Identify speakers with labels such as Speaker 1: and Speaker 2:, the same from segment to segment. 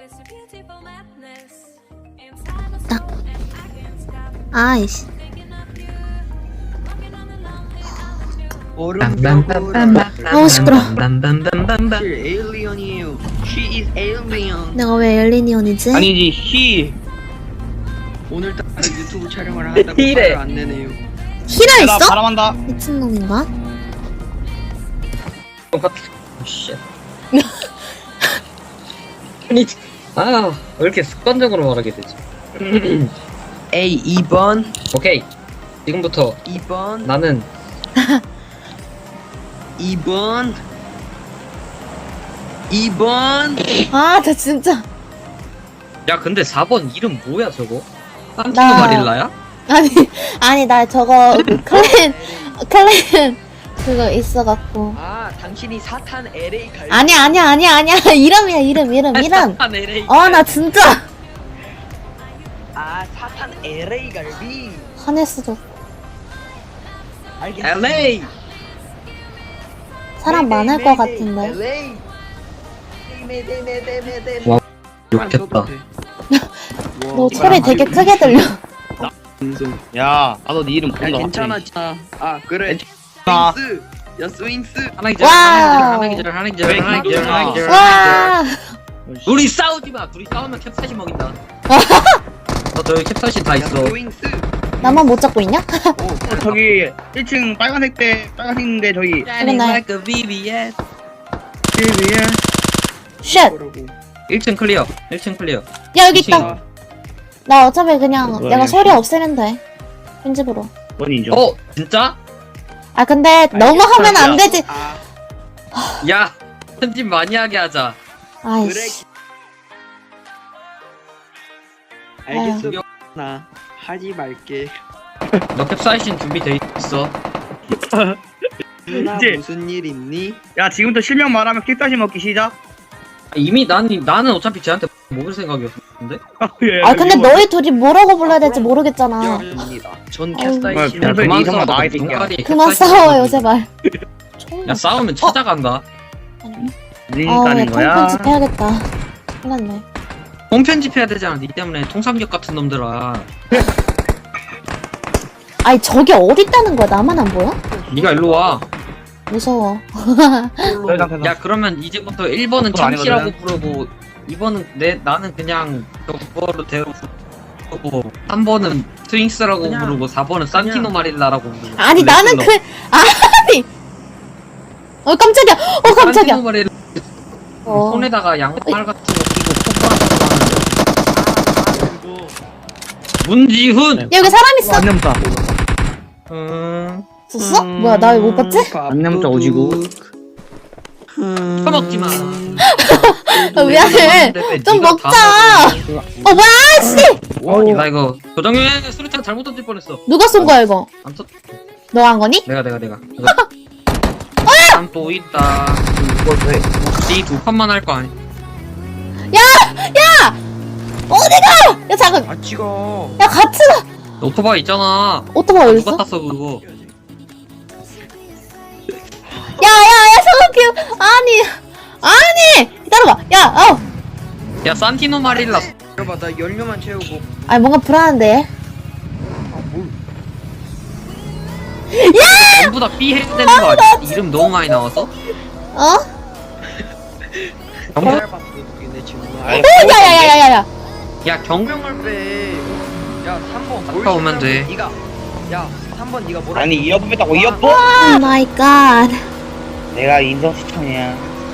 Speaker 1: 딱. 아이씨. 아우 시끄러.
Speaker 2: 에일리언이에요. She is alien.
Speaker 1: 내가 왜 엘리니언이지?
Speaker 2: 아니지, he. 오늘따라 유튜브 촬영을 한다고 화를 안 내네요.
Speaker 1: 히라 있어?
Speaker 3: 바람한다.
Speaker 1: 미친놈인가?
Speaker 4: 씨. 아니, 왜 이렇게 습관적으로 말하게 되지?
Speaker 2: A 2번,
Speaker 4: 오케이. 지금부터
Speaker 2: 2번,
Speaker 4: 나는
Speaker 2: 2번, 2번.
Speaker 1: 아, 저 진짜.
Speaker 4: 야, 근데 4번 이름 뭐야, 저거? 산티노
Speaker 1: 나-
Speaker 4: 마릴라야?
Speaker 1: 아니, 나 저거, 클랜, 그거 있어갖고.
Speaker 2: 아, 당신이 사탄 LA 갈.
Speaker 1: 아니야. 이름이야, 이름.
Speaker 4: 사탄 LA.
Speaker 1: 나 진짜.
Speaker 2: 아, 사탄 LA 갈비.
Speaker 1: 화냈어.
Speaker 2: 알겠어.
Speaker 4: LA.
Speaker 1: 사람 많을 것 같은데.
Speaker 2: LA.
Speaker 4: 와, 욕했다.
Speaker 1: 너 소리 되게 크게 들려.
Speaker 3: 야, 나도 네 이름
Speaker 2: 야,
Speaker 3: 모른다.
Speaker 2: 괜찮아. 아, 그래.
Speaker 3: 아.
Speaker 2: 스윙스. 야, 스윙스.
Speaker 4: 하나 기절,
Speaker 1: 와우.
Speaker 4: 하나 기절.
Speaker 1: 와.
Speaker 4: 둘이 싸우지 마. 둘이 싸우면 캡사신 먹인다. 너 저기 캡사신 다
Speaker 2: 야,
Speaker 4: 있어.
Speaker 2: 스윙스.
Speaker 1: 나만 못 잡고 있냐?
Speaker 3: 저기 1층 빨간색인데 저기.
Speaker 1: 그래, 나-
Speaker 4: like a BBS.
Speaker 2: TV야.
Speaker 1: 쉣.
Speaker 4: 1층 클리어. 1층 클리어.
Speaker 1: 야, 여기 있다. 나 어차피 그냥
Speaker 3: 뭐야,
Speaker 1: 내가
Speaker 3: 이거.
Speaker 1: 소리 없애면 돼. 편집으로.
Speaker 3: 원이죠.
Speaker 4: 어, 진짜?
Speaker 1: 아, 근데 너무 하면 안 되지.
Speaker 2: 아,
Speaker 4: 야, 편집 많이 하게 하자.
Speaker 1: 아이씨.
Speaker 2: 알겠어. 나 하지 말게.
Speaker 4: 너 캡사이신 준비돼 있어.
Speaker 2: 누나
Speaker 3: 이제-
Speaker 2: 무슨 일 있니?
Speaker 3: 야, 지금부터 실명 말하면 킥다시 먹기 시작.
Speaker 4: 이미 나는 어차피 쟤한테 먹을 생각이었는데.
Speaker 1: 아, 근데 너희 둘이 뭐라고 불러야 될지 모르겠잖아.
Speaker 2: 입니다. 전
Speaker 3: 야,
Speaker 2: 캡사이신.
Speaker 3: 평소에
Speaker 4: 그만
Speaker 3: 이성아
Speaker 4: 싸워.
Speaker 3: 나이 새끼야.
Speaker 4: 눈깔이
Speaker 1: 그만
Speaker 4: 캡사이신
Speaker 1: 싸워요,
Speaker 4: 먹어가지고.
Speaker 1: 제발.
Speaker 4: 야, 싸우면 찾아간다.
Speaker 3: 그러니까 하는 거야.
Speaker 1: 통편집 해야겠다. 큰일 났네.
Speaker 4: 홈편집해야 되잖아. 니 때문에 통삼겹 같은 놈들아.
Speaker 1: 아니, 저게 어딨다는 거야? 나만 안 보여?
Speaker 4: 니가 일로 와.
Speaker 1: 무서워.
Speaker 4: 야, 그러면 이제부터 1번은
Speaker 3: 그건
Speaker 4: 참치라고
Speaker 3: 아니거든.
Speaker 4: 부르고 2번은 나는 그냥 그거로 대로 부르고 3번은 스윙스라고
Speaker 2: 그냥-
Speaker 4: 부르고 4번은 산티노 마릴라라고 부르고.
Speaker 1: 아니, 나는
Speaker 4: 너.
Speaker 1: 아니! 깜짝이야! 깜짝이야!
Speaker 4: 산티노 마릴라
Speaker 1: 어.
Speaker 4: 손에다가 양말 같은 거 끼고 콧바람 하는 문지훈!
Speaker 1: 야, 여기 사람 있어!
Speaker 3: 안녕다.
Speaker 1: 있었어? 뭐야, 나 왜 못 봤지?
Speaker 3: 안녕자 오지구.
Speaker 4: 처먹지 마.
Speaker 1: 아, 미안해. 좀 먹자! 뭐야, 씨!
Speaker 4: 나 이거 조정현 수류탄 잘못 던질 뻔했어.
Speaker 1: 누가 쏜 거야, 이거?
Speaker 4: 안 터.
Speaker 1: 너 한 거니?
Speaker 4: 내가. 또 있다. 혹시 두 판만 할 거 아니?
Speaker 1: 어디가! 야, 잠깐.
Speaker 2: 아, 찍어.
Speaker 1: 야, 같이 가!
Speaker 4: 오토바이 있잖아.
Speaker 1: 오토바이 어딨어?
Speaker 4: 누가 탔어 그거?
Speaker 1: 야, 성욱이 아니! 기다려봐. 야,
Speaker 4: 야, 산티노 마릴라.
Speaker 2: 여봐, 나 연료만 채우고.
Speaker 1: 아니, 뭔가 불안한데.
Speaker 2: 아, 뭘.
Speaker 4: 전부 다 B 해야 되는 거 아니야? 이름 너무 많이 나와서?
Speaker 1: 어?
Speaker 4: 전부
Speaker 2: 잘 봤어, 내 지금.
Speaker 1: 야야야야야야.
Speaker 4: 야,
Speaker 2: 병을 빼. 야, 3번.
Speaker 4: 갔다 오면 돼.
Speaker 2: 니가. 야, 3번 니가 뭐라.
Speaker 3: 아니 이어폰 뺐다고 이어폰?
Speaker 1: 오 마이 갓.
Speaker 3: 내가 인성 시청이야.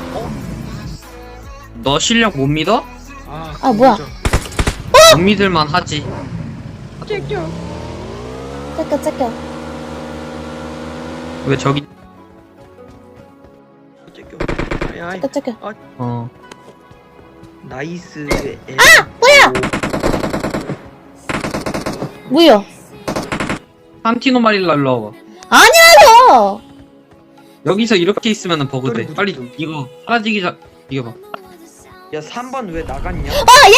Speaker 4: 너 실력 못 믿어?
Speaker 1: 아, 뭐야.
Speaker 4: 못 믿을만 하지.
Speaker 2: 째껴.
Speaker 1: 째껴.
Speaker 4: 왜 저기?
Speaker 2: 째껴. 아이,
Speaker 1: 째껴.
Speaker 4: 어.
Speaker 2: 나이스.
Speaker 1: 뭐야? 뭐야?
Speaker 4: 산티노 마릴라 일로 와봐.
Speaker 1: 아니라고!
Speaker 4: 여기서 이렇게 있으면 버그돼. 빨리 이거 사라지기 전 이거 봐.
Speaker 2: 야, 3번 왜 나갔냐?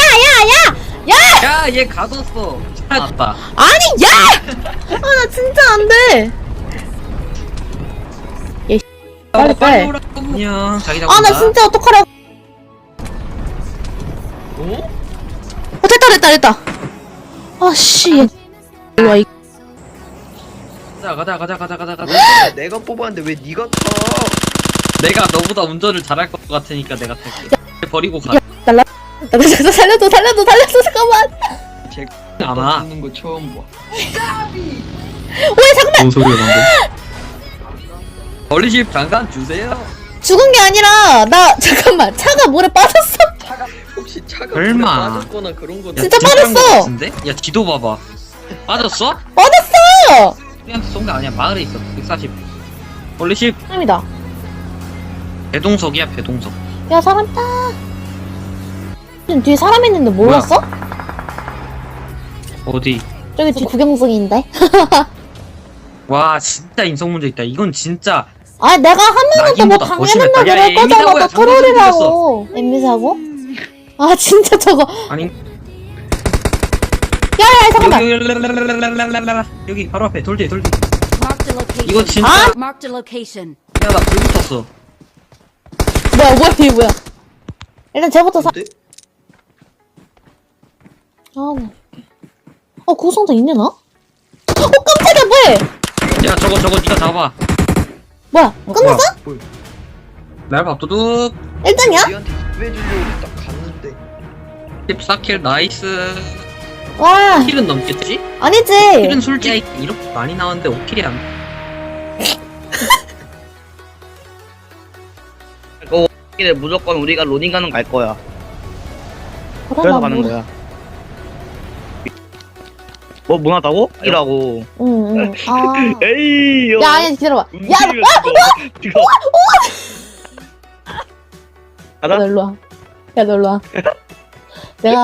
Speaker 4: 야, 얘 가뒀어. 찾았다.
Speaker 1: 아니, 야! 나 진짜 안 돼. 빨리 빼.
Speaker 4: 오라고. 안녕. 자기장.
Speaker 1: 나 진짜 어떡하라고.
Speaker 2: 어?
Speaker 1: 됐다. 아씨. 와, 이
Speaker 4: 가자.
Speaker 2: 내가 뽑았는데 왜 네가 타?
Speaker 4: 내가 너보다 운전을 잘할 것 같으니까 내가 탈게. 버리고 가.
Speaker 1: 살려줘, 잠깐만.
Speaker 2: 제가
Speaker 4: 안 와.
Speaker 2: 뽑는 거 처음 봐.
Speaker 1: 왜 잠깐만.
Speaker 4: 뭔 소리야 방금? 버리십 잠깐 주세요.
Speaker 1: 죽은 게 아니라 잠깐만 차가 물에 빠졌어.
Speaker 2: 혹시 차가
Speaker 4: 설마.
Speaker 2: 물에 빠졌거나 그런 거?
Speaker 1: 진짜
Speaker 4: 뒤집힌 거
Speaker 1: 빠졌어.
Speaker 4: 같은데? 야 뒤도 봐봐. 빠졌어?
Speaker 1: 빠졌어.
Speaker 4: 우리한테 쏜 거 아니야. 마을에 있어. 140. 버리십
Speaker 1: 사람이다.
Speaker 4: 배동석이야 배동석.
Speaker 1: 야 사람 있다. 뒤에 사람 있는데 몰랐어?
Speaker 4: 어디?
Speaker 1: 저기 뒤 구경 중인데.
Speaker 4: 와 진짜 인성 문제 있다. 이건 진짜
Speaker 1: 아 내가 하면은 또뭐
Speaker 4: 낙인보다 더
Speaker 1: 방해한다
Speaker 4: 심했다. 야,
Speaker 1: 그럴 거잖아.
Speaker 4: 애미사고야.
Speaker 1: 너 트롤이라고. 엠미사고? 아 진짜 저거.
Speaker 4: 아니
Speaker 1: 야야 잠깐만.
Speaker 4: 여기 바로 앞에 돌뒤
Speaker 5: Marked a location.
Speaker 4: 이거 진짜
Speaker 1: 아?
Speaker 5: Marked a location.
Speaker 4: 야나 불 붙었어.
Speaker 1: 뭐야 이게 뭐야. 일단 쟤부터 사.
Speaker 2: 근데?
Speaker 1: 아 나. 구성도 있네 나? 깜짝이야 뭐해?
Speaker 4: 야 저거 네가 잡아.
Speaker 1: 뭐야 끝났어?
Speaker 2: 뭘?
Speaker 4: 날 밥도둑
Speaker 1: 1등이야?
Speaker 2: 니한테 구해주려고 딱 갔는데
Speaker 4: 14킬 나이스.
Speaker 1: 와
Speaker 4: 킬은 넘겠지?
Speaker 1: 아니지.
Speaker 4: 킬은 솔직히 이렇게 많이 나왔는데 5킬이 안
Speaker 3: 이게 무조건 우리가 로딩 가는 갈 거야.
Speaker 1: 그러나
Speaker 3: 그래서 가는
Speaker 1: 뭐.
Speaker 3: 거야. 뭐 하다고? 이라고.
Speaker 1: 응응. 아.
Speaker 3: 에이.
Speaker 1: 야 아니 기다려봐. 야
Speaker 3: 지금.
Speaker 1: 너
Speaker 3: 가자.
Speaker 1: 일로 와. 야 너 일로 와. 내가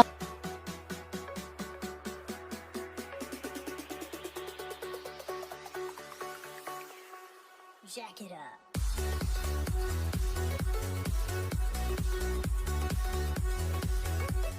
Speaker 5: Jack it up.